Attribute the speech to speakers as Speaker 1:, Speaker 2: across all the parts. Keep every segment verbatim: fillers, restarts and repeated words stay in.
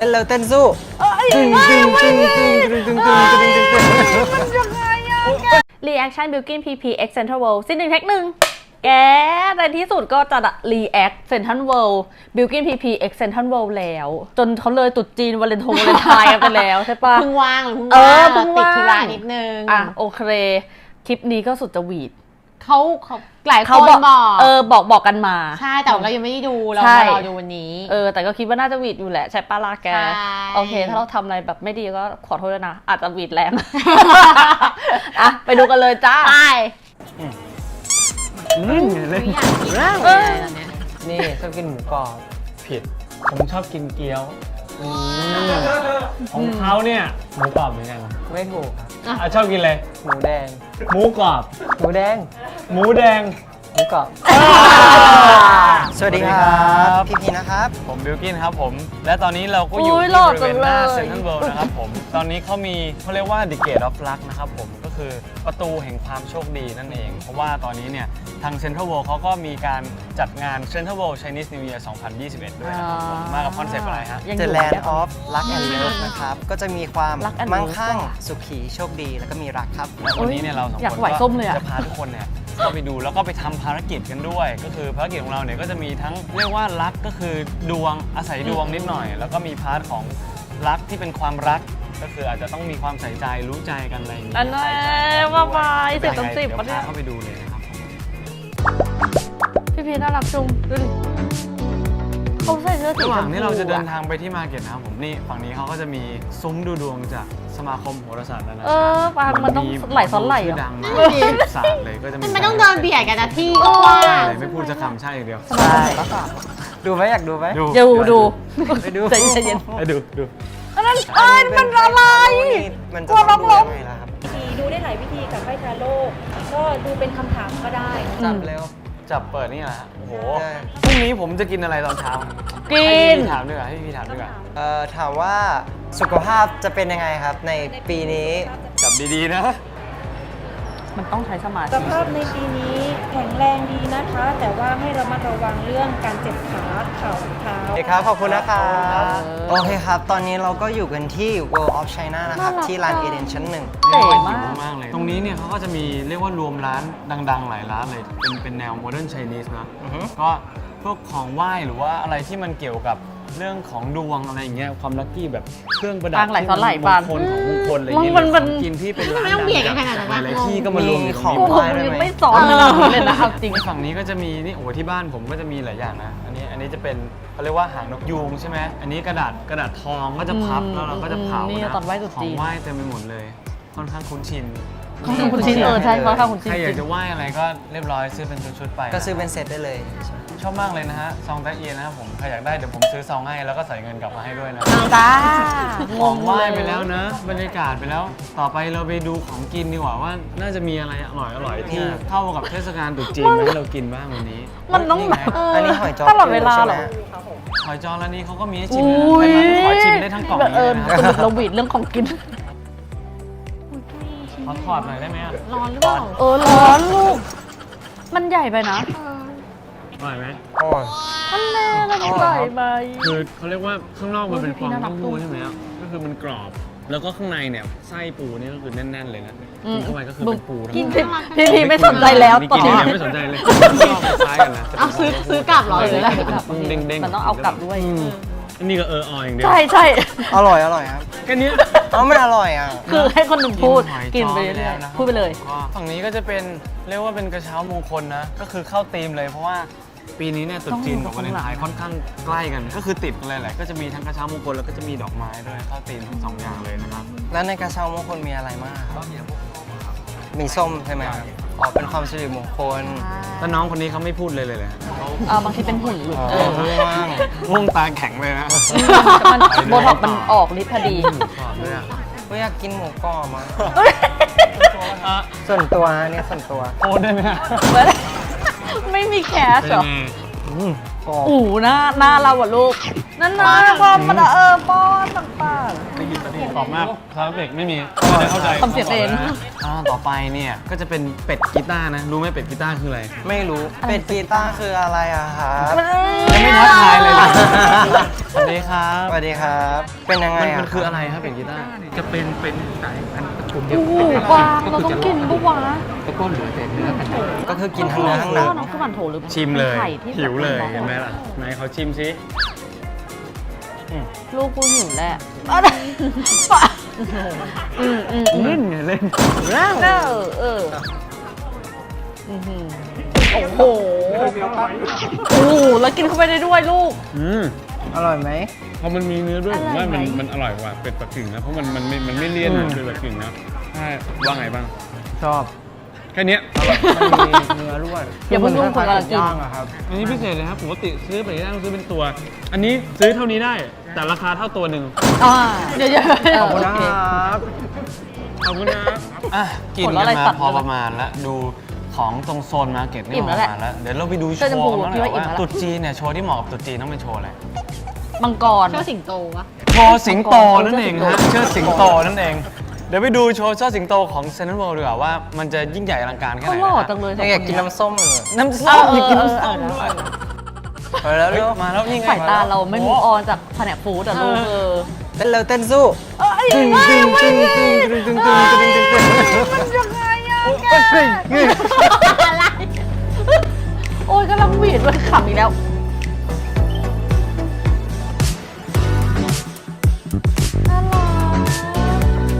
Speaker 1: นแล้วเต้นสู้ตึงตึงตึงตึงตึงตึงตึงตึงตึงตึง
Speaker 2: มันยังไงอะรีแอคชั่น Bilkin พี พี X Central World ซีนหนึ่งแท็กหนึ่งแกในที่สุดก็จะรีแอค Central World Bilkin พี พี X Central World แล้วจนเขาเลยตุดจีนวาเลนทงวาเลนไทน์กันไปแล้วใช่ปะ
Speaker 3: เพิ่งว่างหรือเพิ่ง
Speaker 2: เออ
Speaker 3: ว่าง
Speaker 2: เพิ่ง
Speaker 3: ติด
Speaker 2: ว่าง
Speaker 3: ธุระนิดนึง
Speaker 2: อ่ะโอเคคลิปนี้ก็สุดจะหวีด
Speaker 3: เขาเขาหลายค
Speaker 2: เขา
Speaker 3: น
Speaker 2: บอก
Speaker 3: บอก
Speaker 2: เออบอกบอกกันมา
Speaker 3: ใช่แต่เรายังไม่ได้ดูเรา
Speaker 2: ใช่
Speaker 3: มารอดูวันนี้
Speaker 2: เออแต่ก็คิดว่าน่าจะหวีดอยู่แหละใช่ป้าลาแก
Speaker 3: ใช่
Speaker 2: โอเคถ้าเราทำอะไรแบบไม่ดีก็ขอโทษด้วยนะอาจจะหวีดแรง อ่ะไปดูกันเลยจ้า
Speaker 3: ไป
Speaker 1: เล่นไงเล่น
Speaker 3: อยากกินมากเลยตอนเนี้ย
Speaker 1: นี่ชอบกินหมูกรอบ
Speaker 4: ผิดผมชอบกินเกี๊ยวของเขาเนี่ยหมูกรอบเหมือนกัน
Speaker 1: ไม่ถูกครับ
Speaker 4: อ่ะชอบกินเลย
Speaker 1: หมูแดง
Speaker 4: หมูกรอบ
Speaker 1: หมูแดง
Speaker 4: หมูแดง
Speaker 1: หมูกรอบสวัสดีครับพี่พีนะครับ
Speaker 4: ผมบิลกินครับผมและตอนนี้เราก็อยู่
Speaker 2: อุ๊ย
Speaker 4: ที่
Speaker 2: หล่อบ
Speaker 4: ริเวณหน้า
Speaker 2: จังเลย
Speaker 4: เซ็นทรัลเวิลด์นะครับผมตอนนี้เขามีเขาเรียกว่า The Gate of Luck นะครับผมก็คือประตูแห่งความโชคดีนั่นเอง เพราะว่าตอนนี้เนี่ยทางเซ็นทรัลเวิลด์เขาก็มีการจัดงาน Central World Chinese New Year สองพันยี่สิบเอ็ดด้วยนะครับผมมากับคอนเซปต์อะไรฮะ
Speaker 2: ยังอ
Speaker 1: The
Speaker 2: ยู่
Speaker 1: Land
Speaker 2: เนี่ย
Speaker 1: of Luck and Love นะครับ ก็จะมีความ
Speaker 2: Luck and
Speaker 1: มั่ง
Speaker 2: Love
Speaker 1: คั่ง
Speaker 2: ว่ะ
Speaker 1: สุขีโชคดีแล้วก็มีรักครับ
Speaker 4: และวันนี้เนี่ยเราสอง
Speaker 2: อยาก
Speaker 4: คน
Speaker 2: ไหวส้มเลยอะ
Speaker 4: จะพาทุกคนเนี่ยเข้าไปดูแล้วก็ไปทำภารกิจกันด้วย ก็คือภารกิจของเราเนี่ยก็จะมีทั้งเรียกว่ารักก็คือดวงอาศัยดวงนิดหน่อย แล้วก็มีพาร์ทของรักที่เป็นความรักก็คืออาจจะต้องมีความใส่ใจรู้ใจกันอะไรอย่างนี้
Speaker 2: อันนั้น
Speaker 4: ใส่ใจกันด้วย
Speaker 2: ว่าไปสิบ
Speaker 4: ยัง
Speaker 2: ต่อ
Speaker 4: ไง
Speaker 2: สิบ
Speaker 4: เดี๋ยว
Speaker 2: ปะเนี่ย
Speaker 4: พาเข้าไปดูเลยนะครับ
Speaker 2: พี่พีน่ารักจุงดูดิเขาใส่เสื้อสี
Speaker 4: ระห
Speaker 2: ช
Speaker 4: ว่าง
Speaker 2: มพู
Speaker 4: ที่เราจะเดิน
Speaker 2: อะ
Speaker 4: ทางไปที่มาร์เก็ตนะครับผมนี่ฝั่งนี้เขาก็จะมีซุ้มดูดวงจากสมาคมโหราศาสตร์นานา
Speaker 2: เอ
Speaker 4: ชา
Speaker 2: อ
Speaker 4: ติ
Speaker 2: ปางมันต้องไหลซ้อนไหล
Speaker 4: ชื่
Speaker 2: อ่ะ
Speaker 4: อดังมากศาสตร์เลยก็จะมี
Speaker 3: มันไม่ต้องเดินเบียดกันนะที่ก็กว้าง
Speaker 4: ไม่พูดจะคำใช่อย่างเดียว
Speaker 1: ใช่ดูไหมอยากดูไหม
Speaker 2: เดี๋ยวดู
Speaker 1: ไปดู
Speaker 2: ใจเย็น
Speaker 4: ไปดูดู
Speaker 2: อันนั้นเอ้ยมันอะไร
Speaker 1: มัน
Speaker 2: กลัวล้มล้ม
Speaker 1: ยังไงล่ะครับ
Speaker 5: ดูได้หลายวิธีกับไพ่ทาโร่ก็ดูเป็นคำถามก็ได้
Speaker 1: จับเร็ว
Speaker 4: จับเปิดนี่แหละฮะโอ้โห
Speaker 1: ได้
Speaker 4: พรุ่งนี้ผมจะกินอะไรตอนเช้า
Speaker 2: กิ
Speaker 4: ให้
Speaker 2: น
Speaker 4: พี่ถามดีกว่าให้พี่ถามดีกว่า
Speaker 1: เอ่อถามว่าสุขภาพจะเป็นยังไงครับในปีนี้
Speaker 4: จับดีๆนะ
Speaker 2: มันต้องใช้สมา
Speaker 5: ส
Speaker 2: ธิ
Speaker 5: ภาพในปีนี้แข็งแรงดีนะคะ แต่ว่าให้ระมัดระวังเรื่องการเจ็บขาเข่าเท้า
Speaker 1: โอเคครับ ขอบคุณนะครับ โอเคครับ ตอนนี้เราก็อยู่กันที่ World of China นะครับ ที่ลานเอเดนชั้นหนึ่ง
Speaker 2: เก๋
Speaker 4: หิว
Speaker 2: มาก
Speaker 4: มากเลย ตรงนี้เนี่ยเขาก็จะมีเรียกว่ารวมร้านดังๆ หลายร้านเลย เป็นเป็นแนวโมเดิร์นไชนีสนะ
Speaker 1: อือฮึ
Speaker 4: ก็พวกของไหว้หรือว่าอะไรที่มันเกี่ยวกับเรื่องของดวงอะไรอย่างเงี้ยความลัคกี้แบบเครื่องประดับ
Speaker 2: ปางไหลซ้อนไหล
Speaker 4: ที่
Speaker 2: ปาง
Speaker 4: มงคลของมงคลอะไรอย่างเงี้ย
Speaker 2: มันมัน
Speaker 4: หรือของกินที่เป็นร้าน
Speaker 3: ไม่ต้องเบียดกันขนาดนั้น
Speaker 4: ห
Speaker 3: นะ
Speaker 4: ลายๆที่ก็มารวมอยู่ตรง
Speaker 1: มี
Speaker 4: นี้
Speaker 1: ของ
Speaker 2: ผมยังไม่สอนขนาดนี้เลยนะเอาจริง
Speaker 4: ฝั่งนี้ก็จะมีนี่โอ้โหที่บ้านผมก็จะมีหลายอย่างนะ อันนี้อันนี้จะเป็นเขาเรียกว่าหางนกยูงใช่ไหมอันนี้กระดาษกระดาษทองก็จะพับ
Speaker 2: อืม
Speaker 4: แล้วเราก็จะเผา
Speaker 2: นี่
Speaker 4: นะ
Speaker 2: ตอนไหว้ตรุษ
Speaker 4: ขอ
Speaker 2: จี
Speaker 4: ง
Speaker 2: น
Speaker 4: ไหว้เต็มไปหมดเลย ค่อนข้างคุ้นชิน
Speaker 2: ข้างคุณชินเออใช่เพราะข้างคุณชิน
Speaker 4: ใครอยากจะไหว้อะไรก็เรียบร้อยซื้อเป็นชุดๆไป
Speaker 1: ก็ซื้อเป็นเซตได้เลย
Speaker 4: ชอบมากเลยนะฮะซองแตะเอียนะครับผมใครอยากได้เดี๋ยวผมซื้อซองให้แล้วก็ใส่เงินกลับมาให้ด้วยนะ
Speaker 2: จ้า
Speaker 4: ของไหว้ไปแล้วนะ บรรยากาศไปแล้ว ต่อไปเราไปดูของกินดีกว่าว่าน่าจะมีอะไรอร่อยอร่อยๆที่เข้ากับเทศกาลตรุษจีนมาให้เรากินบ้างวันนี้
Speaker 2: มันต้อง
Speaker 4: ไง
Speaker 1: อันนี้หอยจอ
Speaker 2: ตลอดเวลาเหรอ
Speaker 1: ใช่ไม
Speaker 4: หอยจอร้านนี้เขาก็มีให้ชิม
Speaker 2: อุ้
Speaker 4: นะ
Speaker 2: ย
Speaker 4: ไม่มาขอชิมได้ทั้งกล่อง
Speaker 2: เอ
Speaker 4: นี้
Speaker 2: อ
Speaker 4: เลยนะ
Speaker 2: สรุปเราหวีดเรื่องของกิน
Speaker 4: ขอถอดหน่อยได้ไหมอะ
Speaker 3: ร้อนหรือเปล่า
Speaker 2: เออร้อนลูก มันใหญ่ไปนะ
Speaker 4: อร่อยไหม
Speaker 1: โอ้ย
Speaker 2: มันแน่มันใหญ่ไป
Speaker 4: คือเขาเรียกว่าข้างนอกมันเป็นฟอง
Speaker 2: น่ารั
Speaker 4: เต้าก หู้
Speaker 2: ด้วย
Speaker 4: ใช่ไหมครับก็คือมันกรอบ แล้วก็ข้างในเนี่ยไส้ปูนี่ก็คือแน่นๆเลยนะ
Speaker 2: อืม
Speaker 4: กินเข้าไปก็คือเป็นปูทั้ง
Speaker 2: กิน
Speaker 4: หมด
Speaker 2: พี่พี่ไม่สนใจแล้ว
Speaker 4: นี่
Speaker 2: ต่อ
Speaker 4: กินอย่างเดียวไม่สนใจเลยชอบคล้ายกันนะ
Speaker 3: เอาซื้อซื้อกลับเหรอหรืออะไร
Speaker 4: เด้งๆ
Speaker 2: มันต้องเอากลับด้วย
Speaker 4: อืมอันนี้ก็เออออย่างเดียว
Speaker 2: ใช่ใช่
Speaker 1: อร่อยอร่อยครับ
Speaker 4: แค่เนี้ย
Speaker 1: เอ้ามันอร่อยอ่ะ
Speaker 2: คือให้คนหนึ่งพูด
Speaker 4: หอย
Speaker 2: กินไป
Speaker 4: จ้อ
Speaker 2: เรื่อย
Speaker 4: แล้วนะครับ
Speaker 2: ๆพูดไปเลย
Speaker 4: ก็ฝั่งนี้ก็จะเป็นเรียกว่าเป็นกระเช้ามงคลนะ ก็คือเข้าธีมเลยเพราะว่าปีนี้เนี่ยตรุษจีนกับวาเลนไทน์ค่อนข้างใกล้กัน ก็คือติดกันเลยแหละก็จะมีทั้งกระเช้ามงคลแล้วก็จะมีดอกไม้ด้วยเข้าธีมทั้งสองอย่างเลยนะครับ
Speaker 1: แล้วในกระเช้ามงคลมีอะไรมากครับมีส้มใช่ไหมครับอ๋อเป็นความสิริมงคล
Speaker 4: แล้วน้องคนนี้เขาไม่พูดเลยเลยเลยเขา
Speaker 2: อ่าบางทีเป็นหุ่นหลุด
Speaker 1: อ๋อ
Speaker 2: เออ
Speaker 1: เพิ่งว่าง
Speaker 4: ง่วงตาแข็งเลยนะ
Speaker 2: มันโบท็อกซ์มันออกฤทธิ์พอดี
Speaker 4: หมูกรอบด้วยอะ
Speaker 1: ก็อยากกินหมูกรอบมา
Speaker 4: อ่ะ
Speaker 1: ส่วนตัวฮะเนี่ยส่วนตัว
Speaker 4: โอ้ได้ไหมฮะ
Speaker 2: ไม่มีแคส
Speaker 4: เป็น
Speaker 2: เหรอ
Speaker 4: ไง
Speaker 1: อืมกรอบ
Speaker 2: อู๋หน้าหน้าเราอะลูกนั่นนะความมันอะเออป้อนต่าง
Speaker 4: ตอบมากคาราเบกไม่มีไม่ได้เข้าใจ
Speaker 2: ทำเสียงเอง
Speaker 4: อ่าต่อไปเนี่ยก็จะเป็นเป็ดกีตาร์นะ รู้ไหมเป็ดกีตาร์คืออะไร
Speaker 1: ไม่รู้เป็ดกีตาร์คืออะไรอะครับ
Speaker 4: ยังไม่ทักทายเลยนะสวัสดีครับ
Speaker 1: สวัสดีครับ เป็นยังไง
Speaker 4: มัน
Speaker 1: อะ
Speaker 4: มันคืออะไรครับเป็ดกีตาร์
Speaker 6: จะเป็นเป็นสายพันธุ์ตระกูลเดี
Speaker 2: ๆ
Speaker 6: ยว
Speaker 2: โอ้โหกวางเราต้องกินปะวะ
Speaker 6: แล้วก็เหลือแต่เนื้อกัน
Speaker 1: ก็คือกินทั้งเนื้อทั้งหนัง
Speaker 2: น้องคือมันโถหรือ
Speaker 4: ชิมเลย
Speaker 2: ไข่ที่
Speaker 4: หิวเลย
Speaker 2: แบบ
Speaker 4: เห็นไหมล่ะไหนเขาชิมซิ
Speaker 2: ลูกกูหิวแหละอืมอืมอืม
Speaker 4: เล่นไงเล่น
Speaker 2: เออเอออื้อหือโอ้โหโอ้โหแล้วกินเข้าไปได้ด้วยลูก
Speaker 4: อืม
Speaker 1: อร่อยไหม
Speaker 4: พอมันมีเนื้อด้วยผมว่ามัน
Speaker 2: อร่อยไหม
Speaker 4: มันอร่อยกว่าเป็ดปักกิ่งนะเพราะมันมันไม่มันไม่เลี่ยน
Speaker 1: อื
Speaker 4: นะ
Speaker 1: ม
Speaker 4: เป็ดปักกิ่งนะใช่ว่าไงบ้าง
Speaker 1: ชอบ
Speaker 4: แค่เนี้ย
Speaker 1: มันมีเนื้อด้วย
Speaker 2: อย่าเพิ่งยุ่งคนกำลังกิน
Speaker 1: ย่างอะครับ
Speaker 4: อันนี้พิเศษเลยครับปกติซื้อไปได้ต้องซื้อเป็นตัว อันนี้ซื้อเท่านี้ได้แต่ราคาเท่าตัวหนึ่ง
Speaker 2: อ่าเดี๋ยวเดี๋ยว
Speaker 1: ขอบคุณนะครับ
Speaker 4: ขอบคุณนะอ่ะกิน
Speaker 2: ผล
Speaker 4: กั
Speaker 2: อะไร
Speaker 4: นมา
Speaker 2: ตัด
Speaker 4: พอ
Speaker 2: เลย
Speaker 4: ประมาณแล้วดูของตรงโซนมาร์เก็ตนี่
Speaker 2: อิ่ม
Speaker 4: ป
Speaker 2: แล้ว
Speaker 4: ระ
Speaker 2: แหละ
Speaker 4: มาณแล้วเดี๋ยวเราไปดูโช
Speaker 2: เสื้อชม
Speaker 4: ว์
Speaker 2: พู
Speaker 4: กัน
Speaker 2: พี่
Speaker 4: หน่อย
Speaker 2: ว่าอิ่ม
Speaker 4: ว่า
Speaker 2: แล้ว
Speaker 4: ตรุ๊จีนเนี่ยโชว์ที่เหมาะกับตรุ๊จีนต้องเป็นโชว์อะไร
Speaker 2: มังกร
Speaker 3: เชื่อสิงโตวะ
Speaker 4: โชว์สิงโตนั่นเองฮะเชิดสิงโตนั่นเอง เดี๋ยวไปดูโชว์เชิดสิงโตของเซนทรัลเวิลด์ดีกว่าว่ามันจะยิ่งใหญ่อลังการแค่
Speaker 2: เขา
Speaker 4: ไหน
Speaker 2: หล่อ
Speaker 4: นะ
Speaker 2: จังเลย
Speaker 1: ยังอยากกินน้ำส้มเลย
Speaker 4: น้ำส้มอยากกินน้ำส้มด้วย
Speaker 1: ไปแล้ว
Speaker 4: เฮ้ย
Speaker 1: เร็ว
Speaker 4: มาแล้วนี่ไง
Speaker 2: สายตาเราไม่มูออนจากแผนกฟู้ดอะลูกเออ
Speaker 1: เต้นเร็วเต้นสู้
Speaker 2: เอ้ย
Speaker 1: ตึง
Speaker 2: ไม่
Speaker 1: ตึง
Speaker 2: ไม่
Speaker 1: ตึง
Speaker 2: ไม่
Speaker 1: ตึงตึงตึงตึงตึงตึงตึง
Speaker 2: มันยังไงอะ
Speaker 1: ตึงตึงตึง
Speaker 2: อะไรโอ้ยกำลังหวีดมันขำอีกแล้วน่ารัก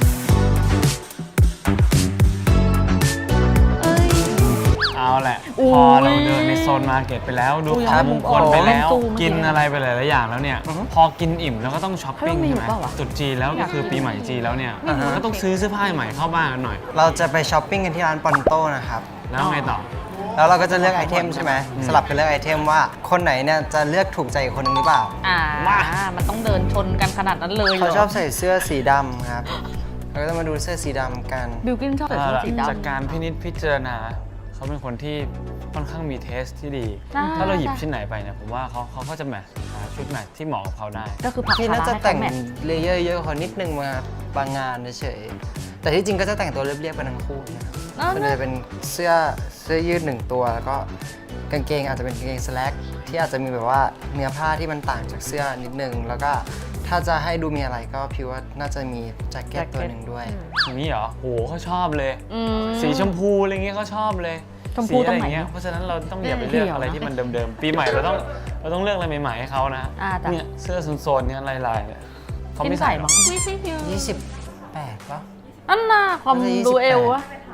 Speaker 2: เอ้ย
Speaker 4: เอาแหละ
Speaker 2: อุ้ย
Speaker 4: พอเราเดินในโซนมาร์เก็ตไปแล้วดู
Speaker 2: อุ้ย
Speaker 4: ของมงคลไปแล้ว
Speaker 2: ซูม
Speaker 4: กินอะไรไปหลายๆอย่างแล้วเนี่ย พอกินอิ่มแล้วก็ต้องช้อปปิ้ง
Speaker 2: เฮ้ยมันมี
Speaker 4: ใช่ไหม
Speaker 2: อยู่เปล่าวะ
Speaker 4: ตรุษจีนแล้วก็คือปีใหม่จีนแล้วเนี่ย
Speaker 1: อ่าฮะ
Speaker 4: มันก็ต้องซื้อเสื้อผ้าใหม่เข้าบ้านกันหน่อย
Speaker 1: เราจะไปช้อปปิ้งกันที่ร้านปอนโต้นะครับ
Speaker 4: แล้วไงต่อ
Speaker 1: แล้วเราก็จะเลือกไอเทมใช่ไหมสลับกันเลือกไอเทมว่าคนไหนเนี่ยจะเลือกถูกใจอีกคนนึงหรือเปล่า
Speaker 2: อ่า มันต้องเดินชนกันขนาดนั้นเลยหร
Speaker 1: เขาชอบใส่เสื้อสีดำครับ เราก็จะมาดูเสื้อสีดำกัน
Speaker 2: บิลกินชอบใส่เสื้อสีดำ
Speaker 4: จากการพินิจพิจารณาเขาเป็นคนที่ค่อนข้างมีเทสที่ดี
Speaker 2: อ่า
Speaker 4: ถ้าเราหยิบชิ้นไหนไปเนี่ยผมว่าเขาเขาก็จะแมทช์หาชุดแมทช์ที่เหมาะกับเขาได้
Speaker 2: ก็คือผัก
Speaker 1: ที่น่าจะ
Speaker 2: ให้
Speaker 1: แต่ง
Speaker 2: เขาแมท
Speaker 1: เลเยอร์เยอะกว่าเขานิดนึงมาบางงานเฉยๆแต่ที่จริงก็จะแต่งตัวเรียบๆไปทั้งคู่นะครับ
Speaker 2: อ้าว
Speaker 1: มันจะเป็นเสื้อเสื้อยืดหนึ่งตัว แล้วก็กางเกงอาจจะเป็นกางเกงสแลกที่อาจจะมีแบบว่าเนื้อผ้าที่มันต่างจากเสื้อนิดนึง แล้วก็ถ้าจะให้ดูมีอะไรก็พี่ว่าน่าจะมีแจ็คเก็ตตัวหนึ่งด้วย
Speaker 4: อย่างนี้เหรอโหเขาชอบเลย
Speaker 2: อืม
Speaker 4: สีชมพูอะไรเงี้ยเขาชอบเลย
Speaker 2: ชมพู
Speaker 4: สีอะไร
Speaker 2: ตรงไหน
Speaker 4: เงี้ยเพราะฉะนั้นเราต้องอย่าไปเลือก
Speaker 2: เขียวนะ
Speaker 4: อะไรที่มันเดิมๆ ปีใหม่เราต้องเราต้องเลือกอะไรใหม่ๆให้เขานะ
Speaker 2: อ่าจ้ะ
Speaker 4: เนี่ยเสื้อโซนๆเนี่ยลายๆเนี่ยเขา
Speaker 2: กิน
Speaker 4: ไม่
Speaker 2: ใส่
Speaker 4: ใส่หร
Speaker 2: มั้
Speaker 4: อก
Speaker 2: ง
Speaker 3: ไม่ใช่ฟิว
Speaker 1: ยี่สิบแปดป่ะ
Speaker 2: อันน่ะความ
Speaker 1: น่าจะยี่สิบ
Speaker 2: ดูเอว
Speaker 1: แปด
Speaker 2: อะ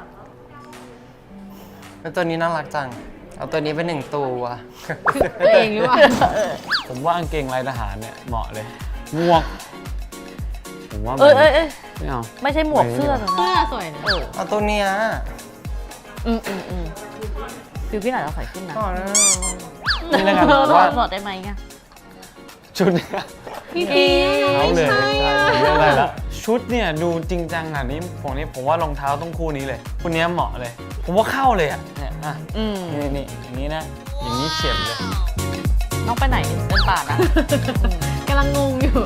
Speaker 1: แล้วตัวนี้น่ารักจัง เอาตัวนี้เป็นหนึ่งตัว
Speaker 3: ตัวเองหรือเปล่า
Speaker 4: ผมว่ากางเกงลายทหารเนี่ยเหมาะเลยหมวกผมว่า
Speaker 2: เอ้ยเอ้ยเอ้ย
Speaker 4: ไม่เอา
Speaker 2: ไม่ใช่หมวกเสื้อแต่
Speaker 3: เสื้
Speaker 2: นะ
Speaker 3: อสวยนะ
Speaker 2: เออ
Speaker 1: เอาตัวเนี้ย
Speaker 2: อืมอืมอืมบิลกินอาจจะใส่ขึ้นนะ
Speaker 1: ก่อนนะ
Speaker 4: นี่แล้วกัน
Speaker 2: เออ
Speaker 4: ผมว่า
Speaker 2: ถอดได้ไหมอะ
Speaker 4: ชุดเนี่ย
Speaker 3: พี่พี
Speaker 4: เขาเลย
Speaker 3: ใช่อะ
Speaker 4: ผมเลือกได้ละชุดเนี่ยดูจริงจังอ่ะนี่ผมนี่ผมว่ารองเท้าต้องคู่นี้เลยคู่เนี้ยเหมาะเลย ผมว่าเข้าเลยอ่ะเนี่ยอ่ะ
Speaker 2: อืม
Speaker 4: นี่นี่อย่างนี้นะ อย่างนี้เฉียบเลย
Speaker 2: น้องไปไหนเดินป่านะ
Speaker 3: กำลังงงอยู่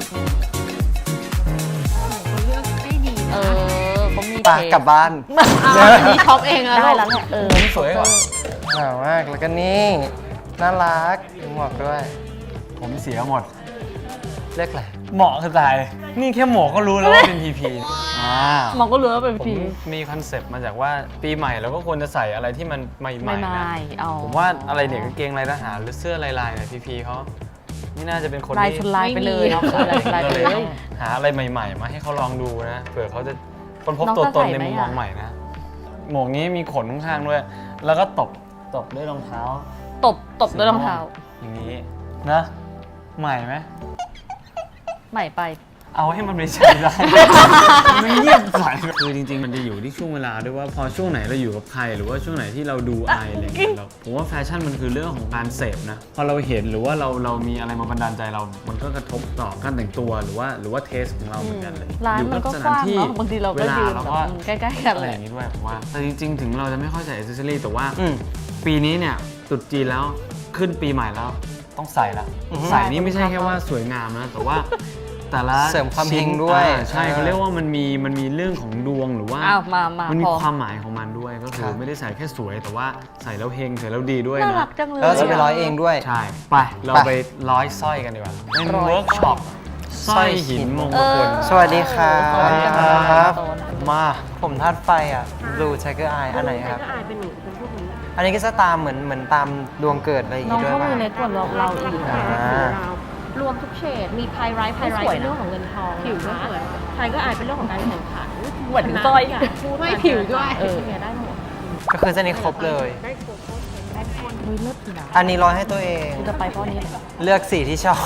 Speaker 3: เขาเลือกได้ดี
Speaker 2: เอ
Speaker 3: นะ
Speaker 2: อเขามี
Speaker 1: ปากกลับบ้าน
Speaker 3: อ้าวอันนี้ช็อปเองแล้ว
Speaker 2: ได้แล้วแหละเออ
Speaker 4: ผมสวยกว่า
Speaker 1: หนาวมาก แล้วก็นี่ น่ารักมีหมวกด้วย
Speaker 4: ผมเสียหมด
Speaker 1: เลือกอะไร
Speaker 4: เหมาะคือตาย นี่แค่หมวกก็รู้แล้วว่าเป็น พี พี อ่า
Speaker 2: มองก็รู้ว่าเป็น
Speaker 4: ผม
Speaker 2: พี
Speaker 4: มีคอนเซปต์มาจากว่าปีใหม่เราก็ควรจะใส่อะไรที่มันใหม่
Speaker 2: ไม่
Speaker 4: ๆนะ
Speaker 2: ไม่เอา
Speaker 4: ผมว่าอะไรเนี่ยกางเกงลายทหารหรือเสื้อลายๆเนี่ยพีพีเขาไม่น่าจะเป็นคน
Speaker 2: ลาย
Speaker 4: ที่
Speaker 2: ชนลายไปเลยเนาะลายชนลายไป
Speaker 4: ก็
Speaker 2: เล
Speaker 4: เลย ยต้องหาอะไรใหม่ ๆ มาให้เขาลองดูนะเผื่อเขาจะค้นพบ
Speaker 2: น้อง
Speaker 4: ตัว
Speaker 2: จะ
Speaker 4: ตน
Speaker 2: ใส่
Speaker 4: ใน
Speaker 2: ไหม
Speaker 4: มุมมอง
Speaker 2: อะ
Speaker 4: ใหม่นะหมวกนี้มีขนข้างๆด้วย แล้วก็ตบตบด้วยรองเท้า
Speaker 2: ตบตบด้วยรองเท้า
Speaker 4: อย่างนี้นะใหม่ไหม
Speaker 2: ใหม่ไป
Speaker 4: เอาให้มันไม่ใช่ได้ มันเงียบใส่คือจริงๆ มันจะอยู่ที่ช่วงเวลาด้วยว่าพอช่วงไหนเราอยู่กับใครหรือว่าช่วงไหนที่เราดูอายอะไรอย่างเงี้ยเราผมว่าแฟชั่นมันคือเรื่องของการเสพนะ พอเราเห็นหรือว่าเราเรามีอะไรมาบันดาลใจเรา มันก็กระทบต่อการแต่งตัวหรือว่าหรือว่าเทสของเราเหมือนกันเลย
Speaker 2: ร้าน
Speaker 4: อยู่
Speaker 2: มันก็
Speaker 4: ส
Speaker 2: กว้าง
Speaker 4: ที่
Speaker 2: เนาะบางทีเราก็
Speaker 4: วล
Speaker 2: ยืน
Speaker 4: แล้ว
Speaker 2: แบบ
Speaker 4: ก็
Speaker 2: ใกล้ๆกัน
Speaker 4: อะไร
Speaker 2: เล
Speaker 4: อย ย่างนี้ด้วยผมว่าแต่จริง ๆ ถึงเราจะไม่ค่อยใส่อิสเซอรี่แต่ว่า
Speaker 1: อืม
Speaker 4: ปีนี้เนี่ยตรุษจีนแล้วขึ้นปีใหม่แล้วต้องใส่ละ
Speaker 1: อือฮึ
Speaker 4: ใส่นี่ไม่ใช่แค่ว่าสวยงามนะแต่ว่าแต่ละ
Speaker 1: เสริมความเฮง
Speaker 4: ชิ้น
Speaker 1: ด้วย
Speaker 4: อ่าใช่เขาเรียกว่ามันมีมันมีเรื่องของดวงหรือว่า
Speaker 2: อ้าวมามา
Speaker 4: มันมี
Speaker 2: พอ
Speaker 4: ความหมายของมันด้วยก็คือไม่ได้ใส่แค่สวยแต่ว่าใส่แล้วเฮงใส่แล้วดีด้วย
Speaker 2: น่า
Speaker 4: นะ
Speaker 2: รักจังเลย
Speaker 1: แล้วจะไปร้อยเองด้วย
Speaker 4: ใช่ ไป เรา
Speaker 1: ไป
Speaker 4: ไปร้อยสร้อยกันดีกว่า เป็น
Speaker 2: ร้อย
Speaker 4: เวิร์กช็อปสร้อยหินมงคล
Speaker 1: สวัสดีครับ
Speaker 2: สวัสดีครับ
Speaker 1: มา ผมธาตุไฟอ่ะ Blue Tiger Eye อันไหนครับ
Speaker 5: อายเป็นหนูเป็นพวกนี้
Speaker 1: อันนี้ก็จะตามเหมือนเหมือนตามดวงเกิดอะไรอย่าง
Speaker 2: น้อง
Speaker 1: งี้ด้วย
Speaker 2: เขา
Speaker 1: ป่ะ
Speaker 2: มือเล็กกว่าเราเราอีก
Speaker 1: อ่า
Speaker 5: รวมทุกเฉด มีไพไรท์ไพไรท์เป็นเรื่องของเงินทอง
Speaker 3: ผิวก็
Speaker 5: นะคะ
Speaker 3: สวย
Speaker 5: ไทยก็อายเป็นเรื่องของการแข่งขัน
Speaker 2: เหมือนสร้อย
Speaker 5: พูด
Speaker 3: ไม่ผิวด้วย
Speaker 5: เออเนี่ยได้หมด
Speaker 1: ก็คือเส้นนี้ครบเลย
Speaker 5: ได้ครบได้คน
Speaker 2: เฮ้ยเลิศดีนะ
Speaker 1: อันนี้ร้อยให้ตัวเอง
Speaker 2: กูจะไปเพราะนี้เลย
Speaker 1: เลือกสีที่ชอบ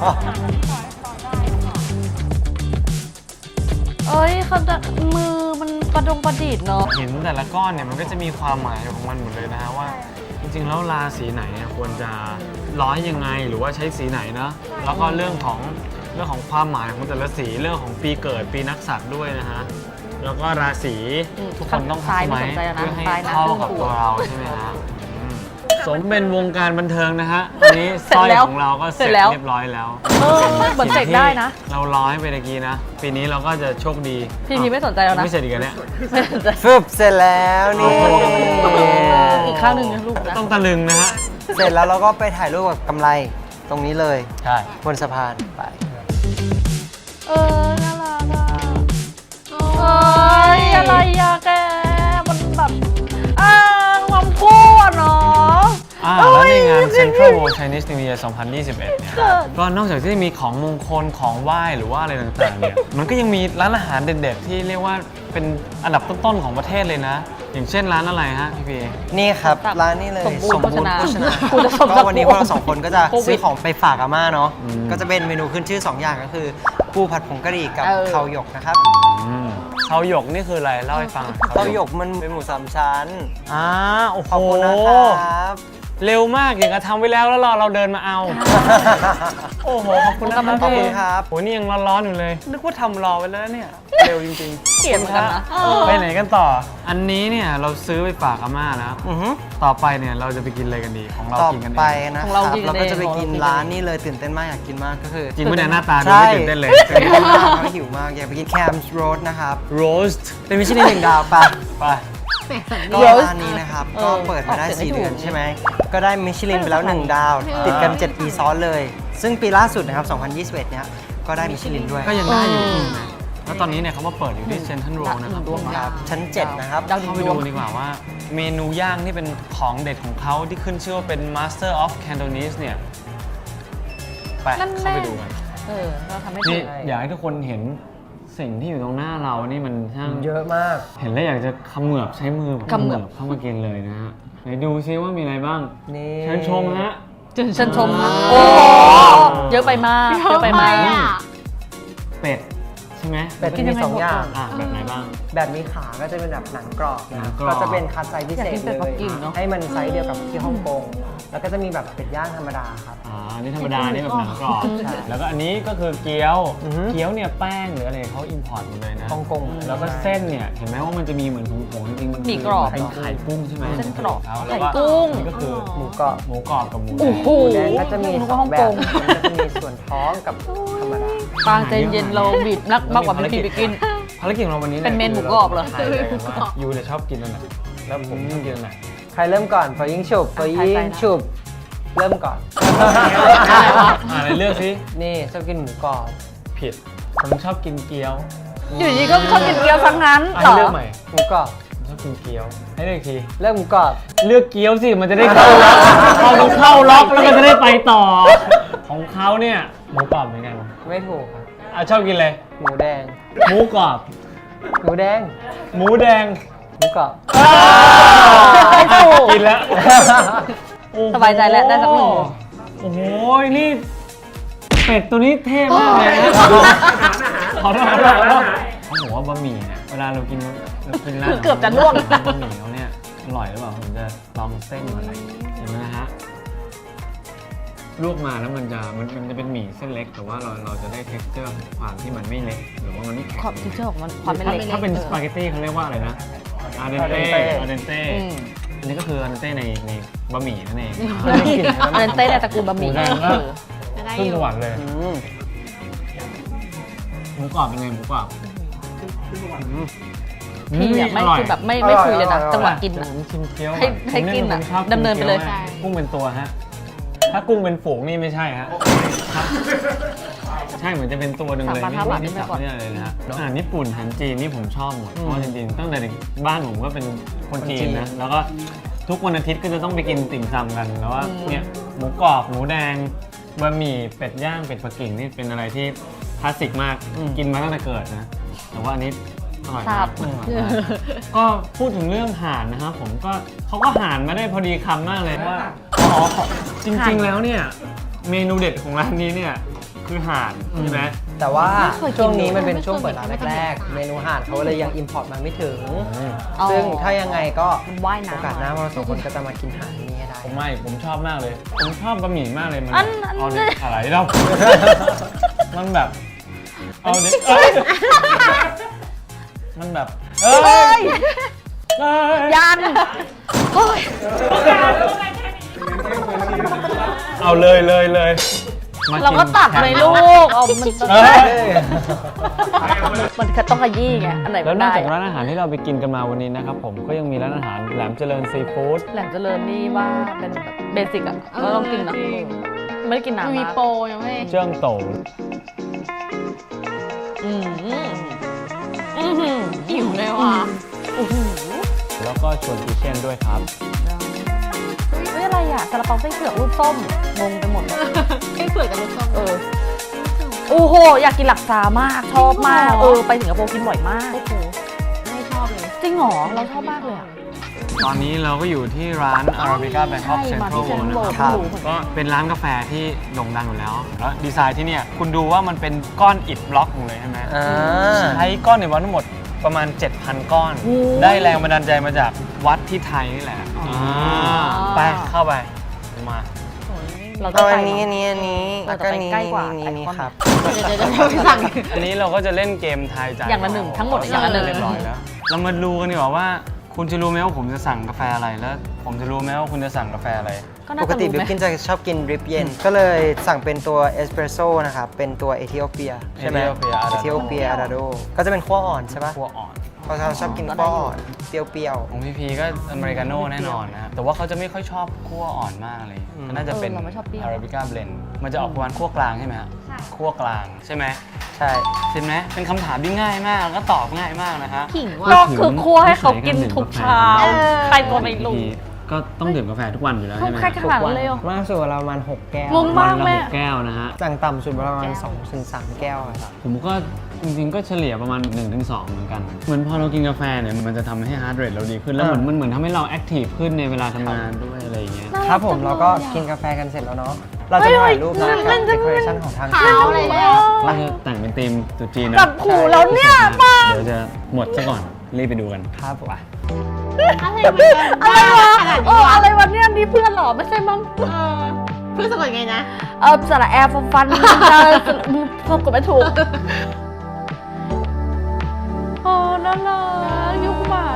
Speaker 2: เอ้ยเขาจะมือมันประดงประดิษฐ์เนาะ
Speaker 4: หินแต่ละก้อนเนี่ยมันก็จะมีความหมายของมันหมดเลยนะฮะว่า จริงๆแล้วราศีไหนเนี่ยควรจะร้อยยังไงหรือว่าใช้สีไหนนะแล้วก็เรื่องของเรื่องของความหมายของแต่ละสีเรื่องของปีเกิดปีนักษัตว์ด้วยนะฮะแล้วก็ราศี
Speaker 2: อืม
Speaker 4: ทุกคนต้อง
Speaker 2: ซ้าย
Speaker 4: ไหม
Speaker 2: ไม่สนใจแล้วนะ
Speaker 4: เพื่อให้
Speaker 2: ซ้ายนะ
Speaker 4: เข้ากับ
Speaker 2: ครึ่งตัว
Speaker 4: ตัวเราใช่ไหมฮะอืมสมเป็นวงการบันเทิงนะฮะวันนี้สร้อยของเราก็เสร็จเรียบร้อยแล้ว
Speaker 2: เออเหมือนเสกได้นะ
Speaker 4: เราร้อยไปตะกี้นะ ปีนี้เราก็จะโชคดี
Speaker 2: พี่พีไม่สนใจแล้วนะ
Speaker 4: ไม่เสร็จอีกแล้วเนี่ย
Speaker 2: ไม่สนใจ
Speaker 1: ฟึบเสร็จแล้วนี่
Speaker 2: อีกข้างหนึ่งนะลูกนะ
Speaker 4: ต้องตะลึงนะฮะ
Speaker 1: เสร็จแล้วเราก็ไปถ่ายรูปกับกำไรตรงนี้เลย
Speaker 4: ใช่
Speaker 1: บนสะพานไป
Speaker 2: เออน่ารักอ่ะเอ้ยอะไรอะแกมันแบบอ่าความกู้อะเนาะ
Speaker 4: อ่าแล้วในงาน Central World Chinese New Year สองพันยี่สิบเอ็ดเนี่ยก็นอกจากที่จะมีของมงคลของไหว้หรือว่าอะไรต่างๆเนี่ยมันก็ยังมีร้านอาหารเด็ดๆที่เรียกว่าเป็นอันดับต้นๆของประเทศเลยนะ อย่างเช่นร้านอะไรฮะพี่พี
Speaker 1: นี่ครับร้านนี้เลย
Speaker 2: สมบูรณ์โภชนา
Speaker 1: โภชนา
Speaker 2: กูจะสมบูรณ์
Speaker 1: ก็วันนี้พวกเราสองคนก็จะ
Speaker 2: โควิด
Speaker 1: ซื้อของไปฝากอาม่าเนาะ
Speaker 4: อืม
Speaker 1: ก็จะเป็นเมนูขึ้นชื่อ สอง อย่างก็คือปูผัดผงกะหรี่กับ
Speaker 2: เออ
Speaker 1: ข้าวหยกนะครับ
Speaker 4: อืมเขาหยกนี่คืออะไรเล่าให้ฟัง
Speaker 1: ข้าวหยกมันเป็นหมูสามชั้น
Speaker 4: อ่าโอ้โห
Speaker 1: ขอบคุณนะครับ
Speaker 4: เร็วมากอย่างกับทำไว้แล้วแล้วรอเราเดินมาเอา โอ้โหขอบคุณนะครับ
Speaker 1: ขอบคุณครับ
Speaker 4: โอ้ยนี่ยังร้อนๆอยู่เลย นึกว่าทำรอไว้แล้วเนี่ยเร็วจริงๆ
Speaker 2: เกลียดเหมือนกันนะ
Speaker 4: ขอบคุณครับไปไหนกันต่อ อันนี้เนี่ยเราซื้อไปฝากอาม่าแล้ว
Speaker 1: อือฮึ
Speaker 4: ต่อไปเนี่ยเราจะไปกินอะไรกันดีของเรา
Speaker 1: ต่อ
Speaker 4: กินกันเอง
Speaker 1: ไปนะ
Speaker 2: ของ
Speaker 1: ค
Speaker 2: เรา
Speaker 1: รับ
Speaker 2: กินกัน
Speaker 1: เราก็จะไป
Speaker 2: เอง
Speaker 1: กิน
Speaker 2: ของเรากิน
Speaker 1: ร้าน
Speaker 2: เอง
Speaker 1: นี่เลยตื่นเต้นมากอยากกินมากก็คือ
Speaker 4: จริงไม่ได้หน้าตาดู
Speaker 1: ใช่
Speaker 4: ไม่ตื่นเต้นเลย
Speaker 1: ตื่นเต้นมากเขาหิวมากอยากไปกินแคมส์โรสนะครับ
Speaker 4: roast
Speaker 1: เป็นมิชลินหนึ่งดาวปะ
Speaker 4: ไป
Speaker 1: ก็ร้านนี้นะครับ
Speaker 2: เออ
Speaker 1: ก็เปิดมาได้
Speaker 2: ออกเสียงไม่
Speaker 1: สี่
Speaker 2: ถูก
Speaker 1: เดือนใช่ไหม ก็ได้มิชลินไปแล้ว หนึ่ง ดาว ติดกัน เจ็ด ปีซ้อนเลย ซึ่งปีล่าสุดนะครับ สองพันยี่สิบเอ็ด เนี่ย ก็ได้มิชลินด้วย
Speaker 4: ก็ยังได้อยู่นะแล้วตอนนี้เนี่ยเขามาเปิดอยู่ที่เซนทรัลโรนะครับ
Speaker 2: ดวง
Speaker 1: ค
Speaker 2: ดา
Speaker 1: รั
Speaker 2: ว
Speaker 1: บชั้น เจ็ด นะครับ
Speaker 2: ดาว
Speaker 4: เข้าไป
Speaker 2: ดว
Speaker 4: ดู
Speaker 2: ง
Speaker 4: ดีกว่าว่าเมนูย่างที่เป็นของเด็ดของเขาที่ขึ้นชื่อว่าเป็น Master of Cantonese เนี่ยไป
Speaker 2: นั่นแน่
Speaker 4: เข้าไปดูกัน
Speaker 2: เออเราทำให้
Speaker 4: นี่
Speaker 2: ถูก
Speaker 4: อยากให้ทุกคนเห็นสิ่งที่อยู่ตรงหน้าเรานี่มันช่าง
Speaker 1: เยอะมาก
Speaker 4: เห็นแล้วอยากจะเขมือบใช้มือ
Speaker 2: เขมือบ
Speaker 4: เข้ามากินเลยนะฮะไหนดูซิว่ามีอะไรบ้าง
Speaker 1: นี่
Speaker 4: เชิญชมฮะ
Speaker 2: เชิญชมนะโอ้เยอะไปมากเยอะไปมาก
Speaker 4: เป็ดใช่ไหม
Speaker 1: เป็ดที่มีสองอย่าง
Speaker 4: อ่ะแบบไหนบ้าง
Speaker 1: แบบมีขาก็จะเป็นแบบหนังกรอบ
Speaker 4: หนั
Speaker 1: นะ
Speaker 4: งกรอบ
Speaker 1: ก็จะเป็นคัดไซส์พิเศษ
Speaker 2: อยากกินเป็
Speaker 1: เล
Speaker 2: ดปัก
Speaker 1: ย
Speaker 2: กิ่งเนอะ
Speaker 1: ให้มันไซส์เดียวกับที่ฮ่องกง แล้วก็จะมีแบบเป็ดย่างธรรมดาครับ
Speaker 4: อ่าอันนี่ธรรมดา นี่แบบหนังกรอบ
Speaker 1: ใช่
Speaker 4: แล้วก็อันนี้ก็คือเกี๊ยว
Speaker 1: อือฮึ
Speaker 4: เกี๊ยวเนี่ยแป้งหรืออะไรเขาอิมพอร์ตหมดเลยนะ
Speaker 1: ฮ่องกง
Speaker 4: แล้วก็เส้นเนี่ยเห็นไหมว่ามันจะมีเหมือนผงๆจริงๆมัน
Speaker 2: หมี่กรอบ
Speaker 4: เป็นไข่กุ้งใช่ไหม
Speaker 2: เส้นกรอบ
Speaker 4: แล้ว
Speaker 2: ไข่
Speaker 4: ก็
Speaker 2: กุ้ง
Speaker 4: อันนี้ก็คือ
Speaker 1: หมูกรอบ
Speaker 4: หมูกรอบกับหมูแด
Speaker 2: โอ้
Speaker 4: ง
Speaker 2: โห
Speaker 1: หมูแดงก็จะมี
Speaker 2: นึก
Speaker 1: ส
Speaker 2: ว่า
Speaker 1: อ
Speaker 2: ฮ่อง ง
Speaker 1: แบ
Speaker 2: ก
Speaker 1: บ
Speaker 2: ง
Speaker 1: มันก็จะมีส่วนท้องกับธรรมดา
Speaker 2: ปางใจเย็นเราบีบนักมากกว่าพี่พีไปกิน
Speaker 4: ภารกิจของเราวันนี้ย
Speaker 2: เป็นเมนหมูกรอบเหรอ
Speaker 4: ทายเลยว่ายูจะชอบกินอันไหนแล้วผมชอบกินอันไหน
Speaker 1: ใครเริ่มก่อนฟอยิงฉุบฟอยิ
Speaker 2: ใครไป
Speaker 1: ง
Speaker 2: นะ
Speaker 1: ฉุบ เริ่มก่อน
Speaker 4: อ่าในเลือกสิ
Speaker 1: นี่ชอบกินหมูกรอบ
Speaker 4: ผิดผมชอบกินเกี๊ยว
Speaker 2: อยู่ดีก็ชอบกินเกี๊ยวทั้งนั้น
Speaker 4: อ่ะ
Speaker 2: เหร
Speaker 4: ให้
Speaker 2: อ
Speaker 4: เลือกใหม่
Speaker 1: หมูกรอบ
Speaker 4: ผมชอบกินเกี๊ยวให้เลือกอีกที
Speaker 1: เลือกหมูกรอบ
Speaker 4: เลือกเกี๊ยวสิมันจะได้เข้าล็อกเราต้องเข้าล็อกแล้วก็จะได้ไปต่อ ของเขาเนี่ยหมูกรอบเหมือนกัน
Speaker 1: ไม่ถูกครับ
Speaker 4: อ่ะชอบกินเลย
Speaker 1: หมูแดง
Speaker 4: หมูกรอบ
Speaker 1: หมูแดง
Speaker 4: หมูแดง
Speaker 1: หมูกรอบ
Speaker 2: ไม่ถูก
Speaker 4: กินแล้วโอ้โห
Speaker 2: สบายใจแล้วได้สักหนึ่ง
Speaker 4: โอ้โหนี่เป็ดตัวนี้เท่มากเลยนะขอโทษขอโทษขอโทษเขาบอกว่าบะหมี่เนี่ยเวลาเรากินเรากินร้าน
Speaker 2: คือเกือบจะล่วง
Speaker 4: บะหมี่เขาเนี่ยอร่อยหรือเปล่าผมจะลองเส้นอะไรเห็นไหมนะฮะลวกมาแล้วมันจะมันมันจะเป็นหมี่เส้นเล็กแต่ว่าเราเราจะได้ texture ของความที่มันไม่เล็กหรือว่ามันไม่แข็ง
Speaker 2: ขอบทิเชอร์ของมันความเป็น
Speaker 4: ถ้า
Speaker 2: เล็ก
Speaker 4: ถ้าเป็นสปาเกตตี้เขาเรียกว่าอะไรนะอาเดนเต้
Speaker 1: al dente
Speaker 4: อาเดนเต้
Speaker 2: อืม
Speaker 4: อันนี้ก็คืออาเดนเต้ในในบะหมี่นั่นเอง
Speaker 2: อันนั้นเต้ในตระกูลบะหมี่
Speaker 4: หมูแดงก็
Speaker 3: จะได้
Speaker 4: ขึ้น
Speaker 3: อ
Speaker 4: ส
Speaker 3: ยู่
Speaker 4: วรรค์เลย
Speaker 1: อืม
Speaker 4: หมูกรอบเป็นไงหมูกรอบอืม
Speaker 2: พี่เนี่ยไม่
Speaker 4: ร่ย
Speaker 2: คือแบบไม่ไม่คุยเลยนะจังหวะกิน
Speaker 4: ผ
Speaker 2: อะ
Speaker 4: มชิมเกี๊ยว
Speaker 2: ให้ให้
Speaker 4: ผมเย
Speaker 2: กินอะ
Speaker 4: ผมชอบ
Speaker 2: ดำเนินไปเลย
Speaker 4: กี๊วมากกุ้งเป็นตัวฮะ ถ้ากุ้งเป็นฝูงนี่ไม่ใช่ฮะครับใช่เหมือนจะเป็นตัวหนึ่งเลย
Speaker 2: สามพัน
Speaker 4: ไม่
Speaker 2: ห้าบาท
Speaker 4: ไม่
Speaker 2: ไม่
Speaker 4: จับ
Speaker 2: ก่อน
Speaker 4: เนี่ยเลยนะฮะอาหารญี่ปุ่นอาหารจีนนี่ผมชอบหมด เพราะว่าจริงๆตั้งแต่เด็กบ้านผมก็เป็นคนจีนนะ แล้วก็ทุกวันอาทิตย์ก็จะต้องไปกินติ่มซำกัน แล้วว่าเนี่ยหมูกรอบหมูแดงบะหมี่เป็ดย่างเป็ดปักกิ่งนี่เป็นอะไรที่คลาสสิกมากกินมาตั้งแต่เกิดนะ แต่ว่าอันนี้อร่อย
Speaker 2: ทราม
Speaker 4: าก
Speaker 2: บ
Speaker 4: อร่อยมากก็พูดถึงเรื่องห่านนะครับผมก็เขาก็ห่านมาได้พอดีคำมากเลยว่าอ๋อจริงๆแล้วเนี่ยเมนูเด็ดของร้านนี้เนี่ยคือห่านใช่ไหม
Speaker 1: แต่ว่า
Speaker 2: ไม่เคยกิน
Speaker 1: ช่วงนี้มันเป็น
Speaker 3: ไม่เคย
Speaker 1: ช่วงเปิดร้าน
Speaker 3: ไม่เคย
Speaker 1: แรกๆ เมนูอาหารเขาเลยยังอิมพอร์ตมาไม่ถึง
Speaker 2: อ๋อ
Speaker 1: ซึ่งถ้ายังไงก็
Speaker 2: มันว่ายน้ำ
Speaker 1: โอกาสหน้าเราสองคนก็จะมากินอาหารนี้ให้ได้
Speaker 4: ผมไม่ผมชอบมากเลย ผมชอบบะหมี่มากเลยมัน
Speaker 2: อันอัน
Speaker 4: เอาเด็กอะไรเรา มันแบบเอาเด็กเอ้ยมันแบบเอ้
Speaker 2: เฮ้
Speaker 4: ย
Speaker 2: ย
Speaker 4: เอ้ย
Speaker 2: ยันเฮ้ย
Speaker 4: เอาเลยเลยเลยม
Speaker 2: เราก็ตัดเลยลูกเอามัน
Speaker 4: เอ้ย
Speaker 2: มันก็ต้องขยี้ไงอันไหน
Speaker 4: แล้
Speaker 2: มั
Speaker 4: วน นอก
Speaker 2: ได้
Speaker 4: จากร้านอาหารที่เราไปกินกันมาวันนี้นะครับผมก็ยังมีร้านอาหารแหลมเจริญซีฟู้ด
Speaker 2: แหลมเจริญนี่ว่าเป็นแบบเบสิกอะเราต้องกินนะไม่ได้กิน
Speaker 3: มัน
Speaker 2: น้ำ
Speaker 3: มี
Speaker 2: นะ
Speaker 3: โปรยังไม่
Speaker 4: เจิ้งโต
Speaker 2: อืมอือหือ
Speaker 3: หิวเลยว่ะ
Speaker 4: แล้วก็ชวนกิเช่นด้วยครับ
Speaker 2: เฮ้ยอะไรอ่ะซาลาเปาไส้เผือกรูปส้มงงไปหมดเลย
Speaker 3: ให้เผือกกับลูกส้ม
Speaker 2: เออโอ้โหอยากกินหลักซามากชอบมากเออไปสิงคโปร์กินบ่อยมาก
Speaker 3: โอ้โหไม่ชอบเลย
Speaker 2: จริงเหรอเราชอบมากเลยอะ
Speaker 4: ตอนนี้เราก็อยู่ที่ร้าน Arabica Bangkok
Speaker 2: ใช่มา
Speaker 4: Central
Speaker 2: ที่
Speaker 4: World นะค
Speaker 2: Central
Speaker 4: รับ
Speaker 2: World
Speaker 4: ก็เป็นร้านกาแฟที่โด่งดังอยู่แล้ว แล้วดีไซน์ที่เนี่ยคุณดูว่ามันเป็นก้อนอิฐบล็อกหมดเลยใช่ไหม
Speaker 1: อ่า
Speaker 4: ใช้ก้อนอิฐบล็อกทั้งหมดประมาณ เจ็ดพัน ก้อน ได้แรงบันดาลใจมาจากวัดที่ไทยนี่แหละาไปเข้าไปมา
Speaker 2: เราต้อ
Speaker 1: เอา
Speaker 2: งไป
Speaker 1: อันนี้
Speaker 2: เน
Speaker 1: อั
Speaker 2: อะ
Speaker 1: นนี้อันนี้
Speaker 2: เออ
Speaker 1: แล้วก็
Speaker 2: แต่ไป
Speaker 1: นี้
Speaker 2: ใกล้กว่า
Speaker 1: นี่
Speaker 2: ไอ
Speaker 1: นี่
Speaker 2: คอน
Speaker 1: ครับ
Speaker 3: เดี๋ยวเดี๋ยวเดี๋ยวไปสั่ง
Speaker 4: อันนี้เราก็จะเล่นเกมทายใจ
Speaker 2: อย่างละหนึ่งทั้งหมดอย่างละหนึ่ง
Speaker 4: เรียบร้อยแล้ว เรามาดูกันดีกว่าว่าคุณจะรู้ไหมว่าผมจะสั่งกาแฟอะไรแล้ว ผมจะรู้ไหมว่าคุณจะสั่งกาแฟอะไร
Speaker 2: ก็น่า
Speaker 1: ปก
Speaker 2: จะ
Speaker 1: ติ
Speaker 2: รู้
Speaker 1: บิ
Speaker 2: ไห
Speaker 1: ว
Speaker 2: ม
Speaker 1: กินจะชอบกินดริปเย็น ก็เลยสั่งเป็นตัวเอสเปรสโซ่นะครับ เป็นตัวเอธิโอเปียใช่ไหม
Speaker 4: Ethiopia
Speaker 1: เอธิโอเปียอาราโดก็จะเป็นขั้วอ่อนใช่ปะ
Speaker 4: ขั้วอ่อน
Speaker 1: เพราะเราชอบกินขั้วอ่อนเปรี้ยว
Speaker 4: ของพีพีก็อเมริกาโน่แน่นอนนะครับแต่ว่าเขาจะไม่ค่อยชอบคั่วอ่อนมากเลยก็น่าจะเป็น
Speaker 2: เออเราไม่ชอบเปรี้ยว
Speaker 4: อาราบิก้าเบลนด์มันจะออกประมาณคั่วกลางใช่ไหมฮะคั่วกลางใช่ไหม
Speaker 1: ๆ ใช่
Speaker 4: ใช่ไหมเป็นคำถามที่ง่ายมากแล้วก็ตอบง่ายมากนะฮะ
Speaker 3: ขิง
Speaker 2: ก็
Speaker 3: ว่ะ
Speaker 2: คือคั่วให้เขากินทุกเช้าใครก็ไม่รู้
Speaker 4: ก็ต้องดื่มกาแฟทุกวันอยู่แล้ว
Speaker 2: ต้อ
Speaker 4: ใช่
Speaker 2: ง
Speaker 4: ไหม
Speaker 2: แค่ขนาดนั้นเลยเหรอ
Speaker 1: มากสุดเราประมาณหกแก้ว
Speaker 2: งงมาก
Speaker 4: วันละ
Speaker 2: แม่
Speaker 4: หกแก้วนะฮะ
Speaker 1: สั่งต่ำสุดประมาณสองถึงสามแก้วอะครับ
Speaker 4: ผมก็จริงๆก็เฉลี่ยประมาณ หนึ่งถึงสอง เหมือนกัน เหมือนพอเรากินกาแฟเนี่ยมันจะทำให้ฮาร์ดเรทเราดีขึ้นแล้วเหมือนมันเหมือนทำให้เราแอคทีฟขึ้นในเวลาทำงานด้วยอะไรอย่างเงี้ย
Speaker 1: ครับผมเราก็กินกาแฟกันเสร็จแล้วเนาะ เราจะถ่ายรูปนะกับเดคอเรชั่นของทาง
Speaker 3: ขาวอะไรเนี่ย
Speaker 4: ก็จะแต่งเป็นธีมตรุ๊จีนนะ
Speaker 2: จับหูแล้วเนี่ยป้า
Speaker 4: เดี๋ยวจะหมดซะก่อน รีบไปดูกัน
Speaker 1: ครับผม
Speaker 3: อะไรมันจะ
Speaker 2: อะไรวะ
Speaker 3: ขนาด
Speaker 2: เอ
Speaker 3: นี้
Speaker 2: อ
Speaker 3: วะ
Speaker 2: อะไรวะเนี่ยนี่เพื่อนเหรอไม่ใช่มั้ง
Speaker 3: เออเพื่อนสะกดไงนะ
Speaker 2: เออสระแอร์ฟันฟันจะสะกดไม่ถูกโอ้น่ารักยุคหมา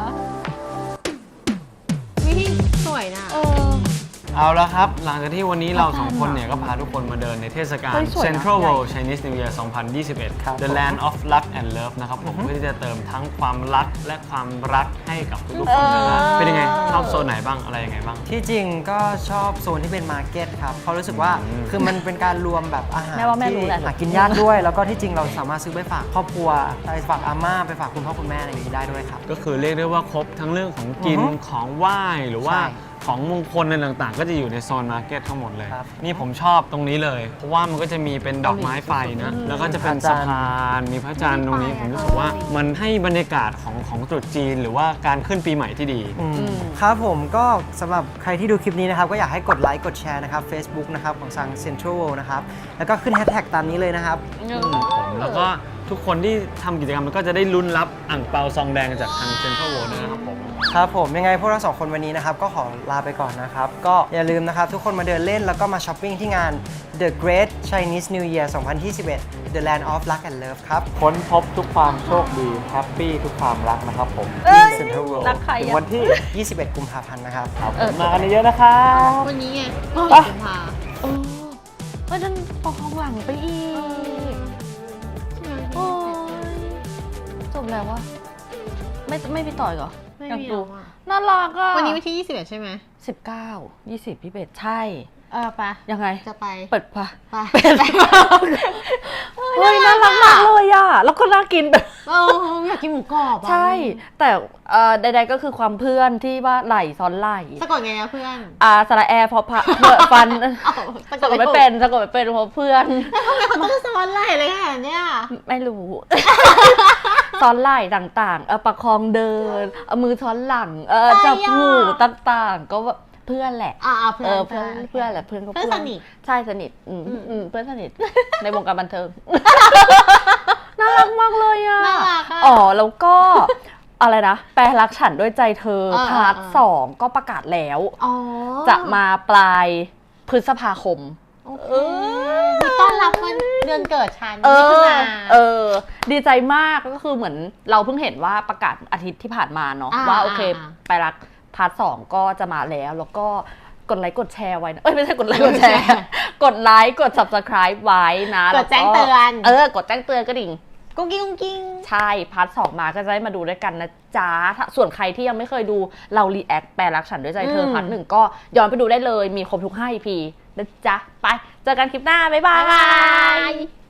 Speaker 3: วิสวยนะ
Speaker 2: เออ
Speaker 4: เอาแล้วครับ หลังจากที่วันนี้เราสองคนเนี่ยก็พาทุกคนมาเดินในเทศกาล
Speaker 2: เฮ้ยสวยนะ
Speaker 4: Central
Speaker 2: ใหญ่
Speaker 4: World Chinese New Year สองพันยี่สิบเอ็ด
Speaker 1: ครับ
Speaker 4: The Land of Luck and Love นะครับผมเพื่อที่จะเติมทั้งความรักและความรักให้กับทุกๆคนนะฮะเป็นยังไง ชอบโซนไหนบ้างอะไรยังไงบ้าง
Speaker 1: ที่จริงก็ชอบโซนที่เป็นมาร์เก็ตครับเขาะรู้สึกว่า
Speaker 4: อืม
Speaker 1: คือมันเป็นการรวมแบบอาหาร
Speaker 2: แม่ว่าแม่
Speaker 1: ที่
Speaker 2: รู้แหละ
Speaker 1: หากินยากด้วย แล้วก็ที่จริงเราสามารถซื้อไปฝากครอบครัวไปฝากอาม่าไปฝากคุณพ่อคุณแม่อะไรอย่างนี้ได้ด้วยครับ
Speaker 4: ก็คือเรียกได้ว่าครบทั้งเรื่องของกิน
Speaker 1: อือฮึ
Speaker 4: ของไหว้หรือว่า
Speaker 1: ใช่
Speaker 4: ของมงคลอะไรต่างๆ ก็จะอยู่ในโซนมาร์เก็ตทั้งหมดเลย
Speaker 1: ครับ
Speaker 4: นี่ผมชอบตรงนี้เลย เพราะว่ามันก็จะมีเป็นดอกไม้ไฟนะ แล้วก็จะเป็น
Speaker 1: พระจั
Speaker 4: สะ
Speaker 1: นทร์
Speaker 4: พานมีพระจันทร์ตรงนี้ ผมรู้สึกว่ามันให้บรรยากาศของของตรุษจีน หรือว่าการขึ้นปีใหม่ที่ดี
Speaker 1: อืมครับผมก็สำหรับใครที่ดูคลิปนี้นะครับ ก็อยากให้กดไลค์กดแชร์นะครับ Facebook นะครับของทาง Central World นะครับ แล้วก็ขึ้นแฮชแท็กตามนี้เลยนะครับ
Speaker 4: ผมแล้วก็ทุกคนที่ทำกิจกรรมมันก็จะได้ลุ้นรับอ่างเปาซองแดงจากทางเซ็นทรัลเวิลด์ด้วยนะครับผม
Speaker 1: ครับผมยังไงพวกเราสองคนวันนี้นะครับก็ขอลาไปก่อนนะครับก็อย่าลืมนะครับทุกคนมาเดินเล่นแล้วก็มาช้อปปิ้งที่งาน The Great Chinese New Year สองพันยี่สิบเอ็ด The Land of Luck and Love ครับ
Speaker 4: ค้นพบทุกความโชคดีแฮปปี้ทุกความรักนะครับผม
Speaker 2: เอ้ย
Speaker 1: เซ็นทรัลเวิลด์
Speaker 2: รักใคร
Speaker 4: ถึง
Speaker 2: อะ
Speaker 4: วันที่
Speaker 1: ยี่สิบเอ็ด กุมภาพันธ์นะครับ
Speaker 2: เออ
Speaker 4: มากันเยอะๆนะครับ
Speaker 3: วันนี้ไงโอ้ย
Speaker 4: ไป
Speaker 3: กุมภา
Speaker 2: เออเฮ้ยนั่นปองหลังไปอีก โอ้ยจบแล้ววะไม่ไม่พี่ต่อยเหรอ
Speaker 3: ไม่
Speaker 2: อยาก
Speaker 3: มี
Speaker 2: ดู
Speaker 3: แล้วอะ
Speaker 2: น่ารักอ่ะ
Speaker 3: วันนี้วันที่ยี่สิบเอ็ดใช่ไหม
Speaker 2: สิบเก้ายี่สิบพี่เบสใช่
Speaker 3: เออไป
Speaker 2: ยังไง
Speaker 3: จะไป
Speaker 2: เปิดปะ
Speaker 3: ไป
Speaker 2: เฮ้ยน่ารักมากเลยอ่ะ แล้วก็น่ากินแบบ
Speaker 3: เอออยากกินหมูกรอบอะ
Speaker 2: ใช่ แต่เอ่อใดๆก็คือความเพื่อนที่ว่าไหลซ้อนไหล
Speaker 3: สะกดไงนะเพื่อน
Speaker 2: อ่าสระแอร์พอพะเพื่อฟัน
Speaker 3: เอ้า
Speaker 2: สะกดไม่เป็นสะกดไม่เป็นเพราะเพื่อน
Speaker 3: ทำไมเขาต้องซ้อนไหล่เลยขนาดเนี้ย
Speaker 2: ไม่รู้ ซ้อนไหล่ต่างๆ เออประคองเดิน เอามือซ้อนหลัง เออจับหูต่างๆ ก็แบบเพื่อนแหละ
Speaker 3: อ่าเพื่
Speaker 2: เอ
Speaker 3: อน
Speaker 2: อเพื่อนเพื่อนแหละเพื่อนก็
Speaker 3: เพื่อนสนิท
Speaker 2: ใช่สนิทอืม
Speaker 3: อืม
Speaker 2: อืมเพื่อนสนิท ในวงการบันเทิง น่ารักมากเลยอ่ะ
Speaker 3: น่ารักอะ
Speaker 2: อ๋อแล้วก็ อะไรนะ แปลรักฉันด้วยใจเธอ
Speaker 3: เออ
Speaker 2: พาร์ท
Speaker 3: เออ
Speaker 2: สองก็ประกาศแล้ว
Speaker 3: อ๋อ
Speaker 2: จะมาปลายพฤษภาคม
Speaker 3: โอเคมีต้อนรับวันเดือนเกิดฉัน
Speaker 2: เอ
Speaker 3: มิถุ
Speaker 2: อ
Speaker 3: นา
Speaker 2: เออ ดีใจมากก็คือเหมือนเราเพิ่งเห็นว่าประกาศอาทิตย์ที่ผ่านมาเนาะ
Speaker 3: อ่า
Speaker 2: ว่าโอเค
Speaker 3: อ่า
Speaker 2: ไปรักพาร์ทสองก็จะมาแล้ว แล้วก็กดไลค์กดแชร์ไว้นะเอ้ยไม่ใช่กดไลค์กดแชร์ กดไลค์กด subscribe ไว้นะ
Speaker 3: กดแจ้งเตือน
Speaker 2: เออกดแจ้งเตือนก็ดิ่ง
Speaker 3: กุ้งกิ้งกุ้งกิ้ง
Speaker 2: ใช่ พาร์ทสองมาก็จะได้มาดูด้วยกันนะจ๊ะถ้าส่วนใครที่ยังไม่เคยดูเรารีแอคแปลรักฉันด้วยใจเธอ
Speaker 3: อืม
Speaker 2: พาร์ทหนึ่งก็ย้อนไปดูได้เลยมีครบทุกห้า อี พี นะจ๊ะ ไป เจอกันคลิปหน้า บ๊ายบา
Speaker 3: บ๊ายบาย
Speaker 2: ย